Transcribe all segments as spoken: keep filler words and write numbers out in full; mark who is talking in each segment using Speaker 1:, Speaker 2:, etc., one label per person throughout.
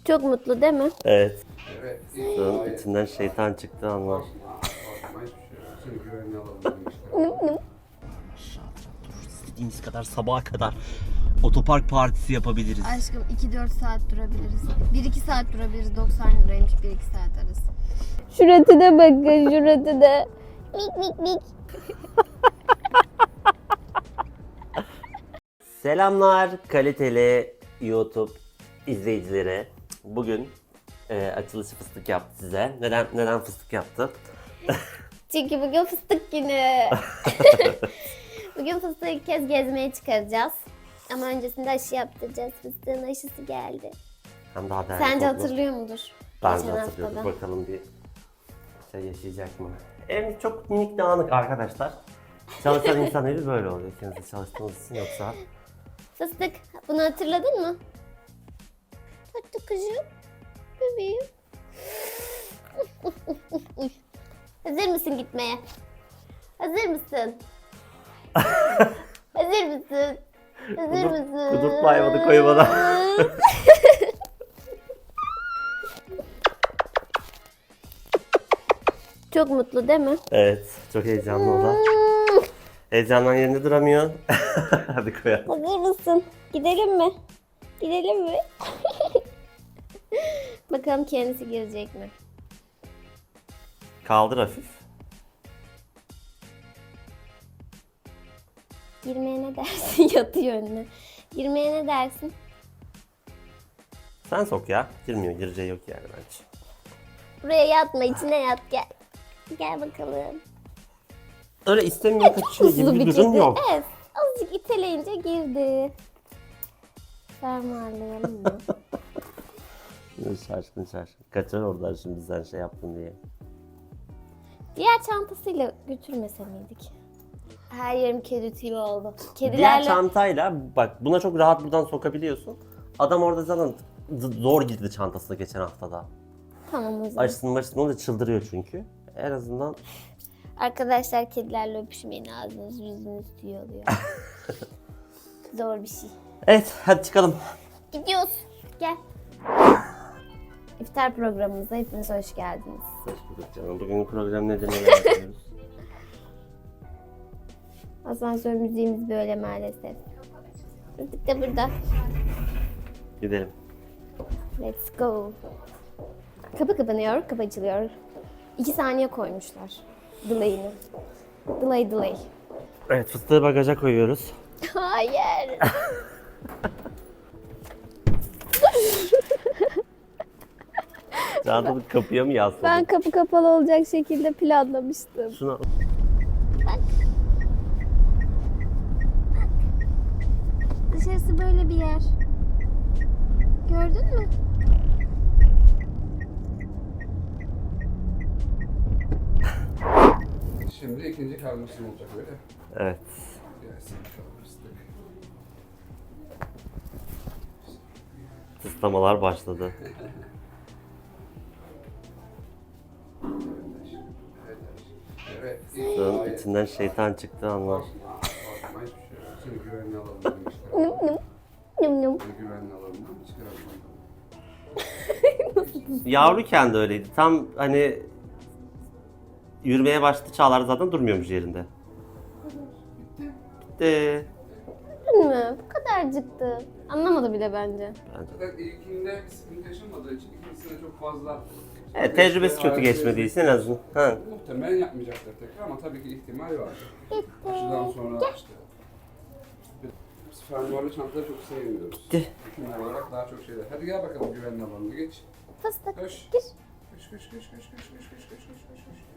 Speaker 1: Çok mutlu değil mi?
Speaker 2: Evet. Sığın içinden şeytan çıktı anlar. İstediğiniz kadar sabaha kadar otopark partisi yapabiliriz.
Speaker 1: Aşkım iki dört saat durabiliriz. bir iki saat durabiliriz. doksan liraymış bir iki saat arası. Şuratına bakın, şuratına. Mik mik mik.
Speaker 2: Selamlar kaliteli YouTube izleyicileri. Bugün e, açılışı fıstık yaptı size. Neden neden fıstık yaptı?
Speaker 1: Çünkü bugün fıstık günü. Bugün fıstığı ilk kez gezmeye çıkaracağız. Ama öncesinde aşı yaptıracağız. Fıstığın aşısı geldi.
Speaker 2: Hem daha değerli
Speaker 1: Sence
Speaker 2: toplu.
Speaker 1: hatırlıyor mudur?
Speaker 2: Ben de
Speaker 1: Geçen
Speaker 2: hatırlıyorum.
Speaker 1: haftada.
Speaker 2: Bakalım bir şey yaşayacak mı? Ev çok minik dağınık arkadaşlar. Çalışan insan evi böyle oluyor. Kendinize çalıştığınız için yoksa.
Speaker 1: Fıstık, bunu hatırladın mı? Tatlı kızım, bebeğim. Hazır mısın gitmeye? Hazır mısın? Hazır mısın? Hazır
Speaker 2: Kudur-
Speaker 1: mısın?
Speaker 2: kudurtma hayvanı koy bana.
Speaker 1: Çok mutlu değil mi?
Speaker 2: Evet, çok heyecanlı o da. Heyecandan yerinde duramıyor. Hadi koyalım.
Speaker 1: Hazır mısın? Gidelim mi? Gidelim mi? Bakalım kendisi girecek mi?
Speaker 2: Kaldır hafif.
Speaker 1: Girmeye ne dersin? Yatıyor önüne. Girmeye ne dersin?
Speaker 2: Sen sok ya. Girmiyor, gireceği yok yani bence.
Speaker 1: Buraya yatma, içine yat gel. Gel bakalım.
Speaker 2: Öyle istemiyor kaçıyor
Speaker 1: Hızlı
Speaker 2: gibi bir
Speaker 1: bir
Speaker 2: durum
Speaker 1: kedi.
Speaker 2: yok.
Speaker 1: Evet, azıcık iteleyince girdi. Fermuarlayalım mı?
Speaker 2: Şaşkın şaşkın. Kaçar oradan şimdi sen şey yaptın diye.
Speaker 1: Diğer çantasıyla götürmese miydik? Her yerim kedi tüyü oldu.
Speaker 2: Diğer
Speaker 1: Kedilerle...
Speaker 2: çantayla bak buna çok rahat buradan sokabiliyorsun. Adam orada zaten z- zor girdi çantasına geçen haftada.
Speaker 1: Tamam o zaman.
Speaker 2: Aşısını maşısını olunca çıldırıyor çünkü. En azından
Speaker 1: Arkadaşlar kedilerle öpüşmeyin, ağzınız yüzünüz tüy oluyor. Zor bir şey.
Speaker 2: evet hadi çıkalım.
Speaker 1: Gidiyoruz. Gel. İftar programımıza hepiniz hoş geldiniz.
Speaker 2: Hoş bulduk canım. Bugün program nedir neler yapıyoruz?
Speaker 1: Asansör müziğimiz böyle maalesef. Fıstık da burada.
Speaker 2: Gidelim.
Speaker 1: Let's go. Kapı kapanıyor, kapı açılıyor. İki saniye koymuşlar. Delay'ini. Delay delay.
Speaker 2: Evet fıstığı bagaja koyuyoruz.
Speaker 1: Hayır.
Speaker 2: Çantamı kapıya mı yasladım?
Speaker 1: Ben kapı kapalı olacak şekilde planlamıştım.
Speaker 2: Şuna...
Speaker 1: Dışarısı böyle bir yer. Gördün mü?
Speaker 3: Şimdi ikinci karmasın olacak öyle.
Speaker 2: Evet.
Speaker 3: Gelsin bakalım fıstık.
Speaker 2: Tıslamalar başladı.
Speaker 3: Evet.
Speaker 2: Sığın içinden şeytan çıktı anlar.
Speaker 3: Korkma hiçbir şey yok. Seni güvenli alalım demişler.
Speaker 1: Num num. Num num.
Speaker 3: Seni güvenli alalım çıkaralım.
Speaker 2: Yavruyken de öyleydi. Tam hani yürümeye başladı çağlar zaten durmuyormuş yerinde. Bitti.
Speaker 1: Değil mi? Bu kadarcıktı. Anlamadı bile bence.
Speaker 3: Zaten ilkinde bir sıkıntı yaşamadığı için ikincisine çok fazla...
Speaker 2: Evet tecrübesi kötü geçmediği için en azından. Ha.
Speaker 3: Muhtemelen yapmayacaktır tekrar ama tabii ki ihtimal var. Aşıdan sonra işte... Biz fermuarlı çantaları çok sevmiyoruz.
Speaker 2: Bitti.
Speaker 3: Hükümler olarak daha çok şeyler. Hadi gel bakalım güvenli alanına geç.
Speaker 1: Fıstık.
Speaker 3: Koş.
Speaker 1: Gir.
Speaker 3: Koş koş koş koş koş koş koş koş koş koş koş.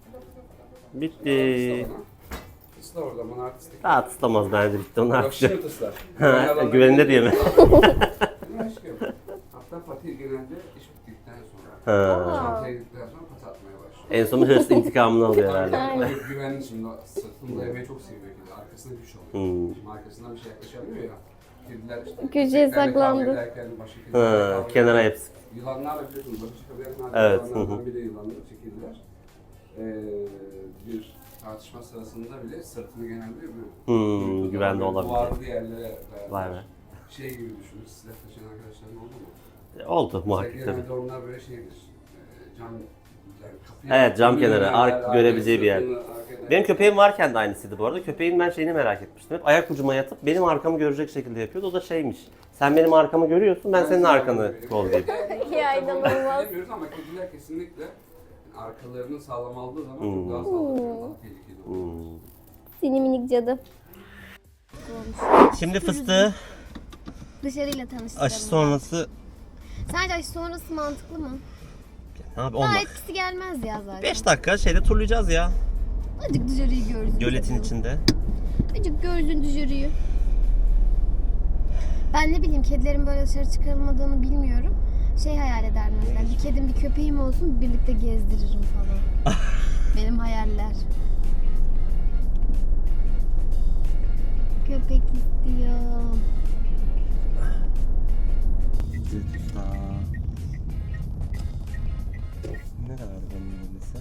Speaker 2: Bitti.
Speaker 3: Isla orada bana artistik.
Speaker 2: Daha tıslamaz bence bitti onu
Speaker 3: Yok
Speaker 2: artık.
Speaker 3: şimdi ıslar.
Speaker 2: Ha, güveninde diye mi?
Speaker 3: Aşkım. Hatta Fatih genelde iş bittikten sonra.
Speaker 2: Ha.
Speaker 3: Çantaya gittikten sonra pat atmaya başlıyor.
Speaker 2: En son hırs intikamını alıyor herhalde.
Speaker 3: Aynen. Çok güvenli şimdi. Sırtında yemeği çok seviyor kedi. Arkasına güç alıyor.
Speaker 2: Hmm.
Speaker 3: Şimdi arkasından bir şey yaklaşamıyor ya. Kediler işte.
Speaker 1: Köşeye
Speaker 3: köpeklerle kavga
Speaker 1: saklandı.
Speaker 3: ederken başka kedilerle
Speaker 2: Ha,
Speaker 3: kavga
Speaker 2: kenara
Speaker 3: ederken-
Speaker 2: hepsi.
Speaker 3: Yılanlarla biliyorsunuz. Başka çıkabilen
Speaker 2: Evet, hı
Speaker 3: yılanlardan
Speaker 2: hı.
Speaker 3: biri yılanları çekildiler. Ee, bir tartışma sırasında bile sırtını genelde bir
Speaker 2: Hmm, güvende olabilir.
Speaker 3: duvarlı yerlere dayalı.
Speaker 2: Vay be.
Speaker 3: Şey gibi düşünün, silah taşıyan arkadaşların oldu mu?
Speaker 2: Oldu muhakkak tabii.
Speaker 3: Genelde onlar böyle şeydir. e, Cam, yani kapıyı
Speaker 2: Evet, cam kenarı,
Speaker 3: yani
Speaker 2: ark
Speaker 3: arkaya
Speaker 2: görebileceği bir yer.
Speaker 3: sırtını arkaya-
Speaker 2: Benim köpeğim varken de aynısıydı bu arada. Köpeğin ben şeyini merak etmiştim. Hep ayak ucuma yatıp benim arkamı görecek şekilde yapıyordu. O da şeymiş. Sen benim arkamı görüyorsun, ben senin arkanı kollayayım.
Speaker 1: Ya inanılmaz.
Speaker 3: Bilemiyoruz ama kediler kesinlikle arkalarını sağlam aldığı zaman
Speaker 2: Hmm.
Speaker 3: çok daha sağlıklı, daha tehlikeli oluyor.
Speaker 2: Hmm.
Speaker 1: Seni minik cadı.
Speaker 2: Şimdi fıstığı
Speaker 1: Dışarıyla tanıştıralım.
Speaker 2: aşı sonrası...
Speaker 1: Sence aşı sonrası mantıklı mı?
Speaker 2: Ne abi
Speaker 1: Daha
Speaker 2: on
Speaker 1: etkisi gelmez ya zaten.
Speaker 2: beş dakika şeyde turlayacağız ya.
Speaker 1: Azıcık dışarıyı görsün.
Speaker 2: Göletin içinde.
Speaker 1: Azıcık görsün dışarıyı. Ben ne bileyim kedilerin böyle dışarı çıkarılmadığını bilmiyorum. Şey hayal ederdim mesela bir kedim bir köpeğim olsun birlikte gezdiririm falan. Benim hayaller. Köpek istiyorum.
Speaker 2: Ne kadar bunun ödemesi?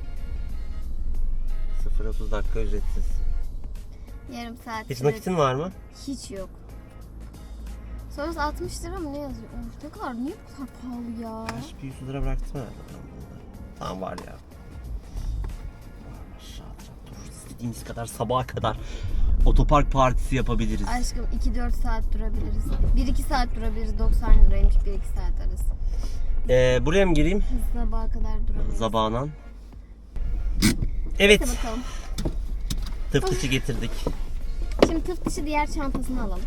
Speaker 2: sıfır otuz dakika ücretsiz.
Speaker 1: Yarım saat.
Speaker 2: Hiç
Speaker 1: süre-
Speaker 2: nakitin var mı?
Speaker 1: Hiç yok. Sonrası altmış lira mı ne yazıyor? Of, ne kadar niye bu kadar pahalı ya?
Speaker 2: Kaç bir yüz lira bıraktım herhalde ben bunu. Tamam var ya. Aşağı dur. İstediğimiz kadar sabaha kadar otopark partisi yapabiliriz.
Speaker 1: Aşkım iki dört saat durabiliriz. bir iki saat durabiliriz. doksan liraymış bir iki saat arası.
Speaker 2: Ee, buraya mı gireyim?
Speaker 1: Biz sabaha kadar durabiliriz.
Speaker 2: Zabanan. Evet.
Speaker 1: Hadi bakalım.
Speaker 2: Tıftıçı getirdik.
Speaker 1: Şimdi tıp dışı diğer çantasını alalım.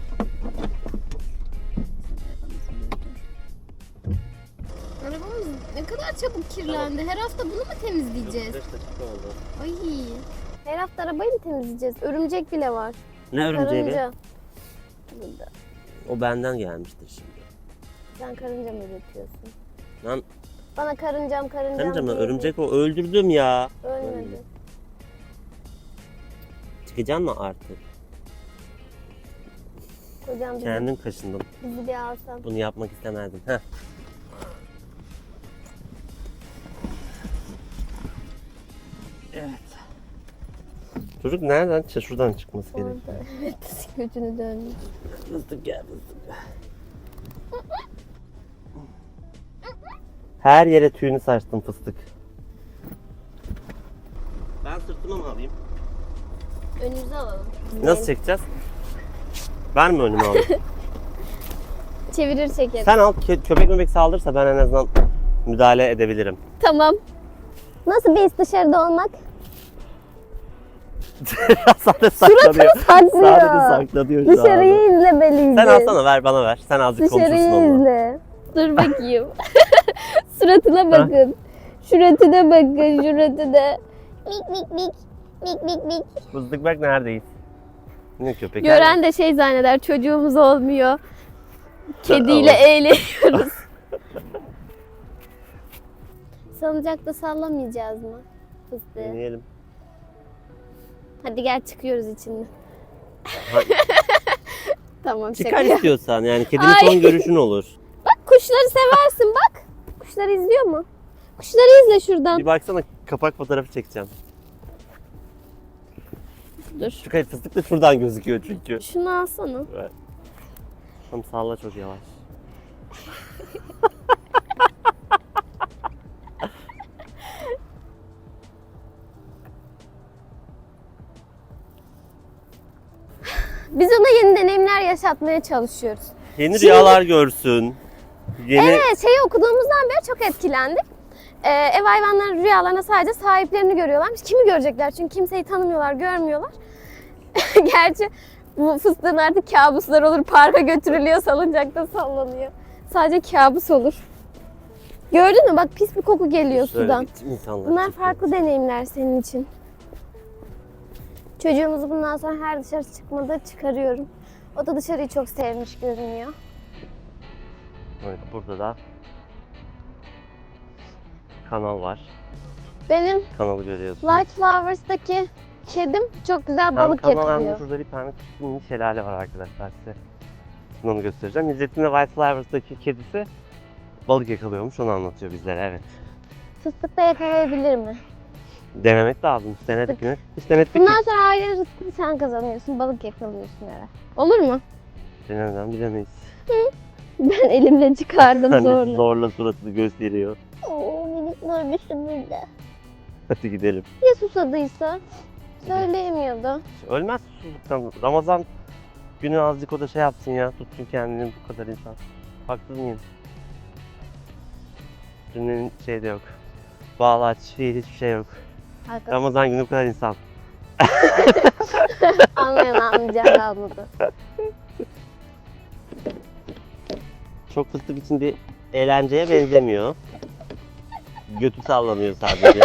Speaker 1: Arabamız ne kadar çabuk kirlendi. Her hafta bunu mu temizleyeceğiz? Ay. Her hafta arabayı mı temizleyeceğiz? Örümcek bile var.
Speaker 2: Ne örümceği be?
Speaker 1: Karınca. Burada.
Speaker 2: O benden gelmiştir şimdi.
Speaker 1: Sen karınca mı üretiyorsun?
Speaker 2: Lan
Speaker 1: Bana karıncam karıncam
Speaker 2: karınca mı?
Speaker 1: diye
Speaker 2: Örümcek o. Öldürdüm ya.
Speaker 1: Ölmedi.
Speaker 2: Çıkacaksın mı artık?
Speaker 1: Kocam bizi,
Speaker 2: Kendin kaşındın.
Speaker 1: bizi bir alsan.
Speaker 2: Bunu yapmak istemezdim. Heh. Evet. Çocuk nereden? Ç- Şuradan çıkması gerekiyor.
Speaker 1: Orada. Evet. Götünü dönmüş.
Speaker 2: Fıstık gel fıstık. Her yere tüyünü saçtım fıstık. Ben sırtıma mı alayım?
Speaker 1: Önümüze alalım.
Speaker 2: Nasıl çekeceğiz? Ben mi önüme alayım?
Speaker 1: Çevirir çeker.
Speaker 2: Sen al, kö- köpek möpek saldırırsa ben en azından müdahale edebilirim.
Speaker 1: Tamam. Nasıl bir his dışarıda olmak?
Speaker 2: Sadece saklanıyor.
Speaker 1: saklıyor.
Speaker 2: Sadece saklanıyor şu anda.
Speaker 1: Dışarıyı izlemeliyiz.
Speaker 2: Sen alsana ver bana ver. Sen azıcık konuşursun
Speaker 1: Dışarıyı
Speaker 2: onunla.
Speaker 1: izle. Dur bakayım. Suratına bakın. Şuratına bakın, şuratına. Mik mik mik. Mik mik mik.
Speaker 2: Fıstık bak neredeyiz? Ne köpek?
Speaker 1: Gören de şey zanneder, çocuğumuz olmuyor. Kediyle
Speaker 2: Allah.
Speaker 1: eğleniyoruz. Salıncakta sallamayacağız mı fıstığı?
Speaker 2: Deneyelim.
Speaker 1: Hadi gel çıkıyoruz içinden.
Speaker 2: Hadi.
Speaker 1: Tamam
Speaker 2: Çıkar
Speaker 1: şaka.
Speaker 2: istiyorsan yani kedinin
Speaker 1: Ay.
Speaker 2: son görüşün olur.
Speaker 1: Bak kuşları seversin bak. Kuşları izliyor mu? Kuşları izle şuradan.
Speaker 2: Bir baksana kapak fotoğrafı çekeceğim.
Speaker 1: Dur.
Speaker 2: Şu kayıp fıstık da şuradan gözüküyor çünkü.
Speaker 1: Şunu alsana.
Speaker 2: Evet. Tam salla çok yavaş.
Speaker 1: Biz ona yeni deneyimler yaşatmaya çalışıyoruz.
Speaker 2: Yeni
Speaker 1: Şimdi-
Speaker 2: rüyalar görsün. Yeni
Speaker 1: Evet, şeyi okuduğumuzdan beri çok etkilendik. Ee, ev hayvanlarının rüyalarına sadece sahiplerini görüyorlarmış. Kimi görecekler? Çünkü kimseyi tanımıyorlar, görmüyorlar. Gerçi bu fıstığın artık kabuslar olur. Parka götürülüyor, salıncakta sallanıyor. Sadece kabus olur. Gördün mü? Bak pis bir koku geliyor
Speaker 2: Şöyle
Speaker 1: sudan.
Speaker 2: bir insanlar
Speaker 1: Bunlar
Speaker 2: çıkıyor.
Speaker 1: farklı deneyimler senin için. Çocuğumuzu bundan sonra her dışarı çıkmada çıkarıyorum. O da dışarıyı çok sevmiş görünüyor.
Speaker 2: Evet, burada da kanal var.
Speaker 1: Benim
Speaker 2: Kanalı görüyorsun.
Speaker 1: Light Flowers'taki kedim çok güzel
Speaker 2: Hem
Speaker 1: balık
Speaker 2: kanal hem de
Speaker 1: yakalıyor.
Speaker 2: şurada bir tane küçük mini şelale var arkadaşlar size. Şimdi onu göstereceğim. İzzet'in de White Flowers'daki kedisi balık yakalıyormuş. Onu anlatıyor bizlere, evet.
Speaker 1: Fıstık da yakalayabilir mi?
Speaker 2: Denemek lazım. Hiç denedik mi? Hiç denedik mi?
Speaker 1: Bundan sonra aile rızkını sen kazanıyorsun, balık yakalıyorsun herhalde. Olur mu?
Speaker 2: Denemeden bilemeyiz.
Speaker 1: Ben elimle çıkardım
Speaker 2: Hani
Speaker 1: zorla.
Speaker 2: zorla suratını gösteriyor.
Speaker 1: Oo, minikler bir burada.
Speaker 2: Hadi gidelim.
Speaker 1: Ya susadıysa? Söyleyemiyordu.
Speaker 2: Ölmez susuzluktan. Ramazan günü azıcık o da şey yapsın ya. Tutsun kendini bu kadar insan. Haksız mıyım? Cümlenin şey de yok. Bağlaç, fiil hiçbir şey yok.
Speaker 1: Haklısın.
Speaker 2: Ramazan günü bu kadar insan.
Speaker 1: Anlayan anlayacağını anladı.
Speaker 2: Çok fıstık için bir eğlenceye benzemiyor. Götü sallanıyor sadece.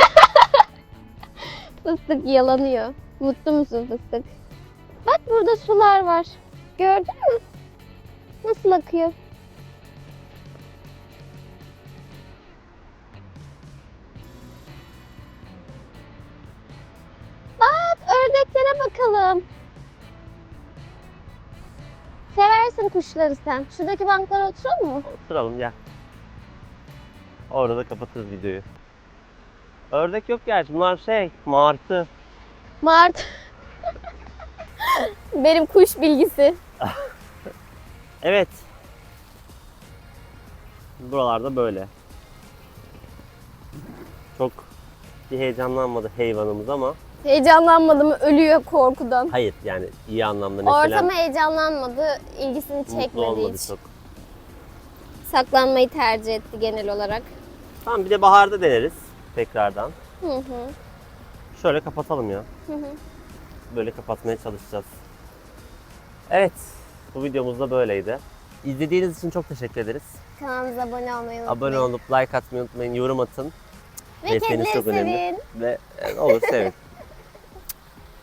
Speaker 1: Fıstık yalanıyor. Mutlu musun fıstık? Bak burada sular var. Gördün mü? Nasıl akıyor? Bak ördeklere bakalım. Seversin kuşları sen. Şuradaki banklara oturalım mı?
Speaker 2: Oturalım gel. Orada da kapatırız videoyu. Ördek yok gerçi. Bunlar şey, martı.
Speaker 1: Mart. Benim kuş bilgisi.
Speaker 2: Evet. Buralarda böyle. Çok bir heyecanlanmadı hayvanımız ama
Speaker 1: Heyecanlanmadı mı ölüyor korkudan.
Speaker 2: hayır yani iyi anlamda mesela
Speaker 1: Ortama heyecanlanmadı, ilgisini
Speaker 2: mutlu
Speaker 1: çekmedi
Speaker 2: olmadı
Speaker 1: hiç.
Speaker 2: çok.
Speaker 1: Saklanmayı tercih etti genel olarak.
Speaker 2: Tamam bir de baharda deneriz tekrardan.
Speaker 1: Hı hı.
Speaker 2: Şöyle kapatalım ya.
Speaker 1: Hı hı.
Speaker 2: Böyle kapatmaya çalışacağız. Evet, bu videomuz da böyleydi. İzlediğiniz için çok teşekkür ederiz.
Speaker 1: Kanalımıza abone olmayı unutmayın.
Speaker 2: Abone olup like atmayı unutmayın, yorum atın.
Speaker 1: Ve
Speaker 2: Desteğiniz
Speaker 1: kedileri
Speaker 2: çok önemli.
Speaker 1: sevin.
Speaker 2: Ve e, olur sevin.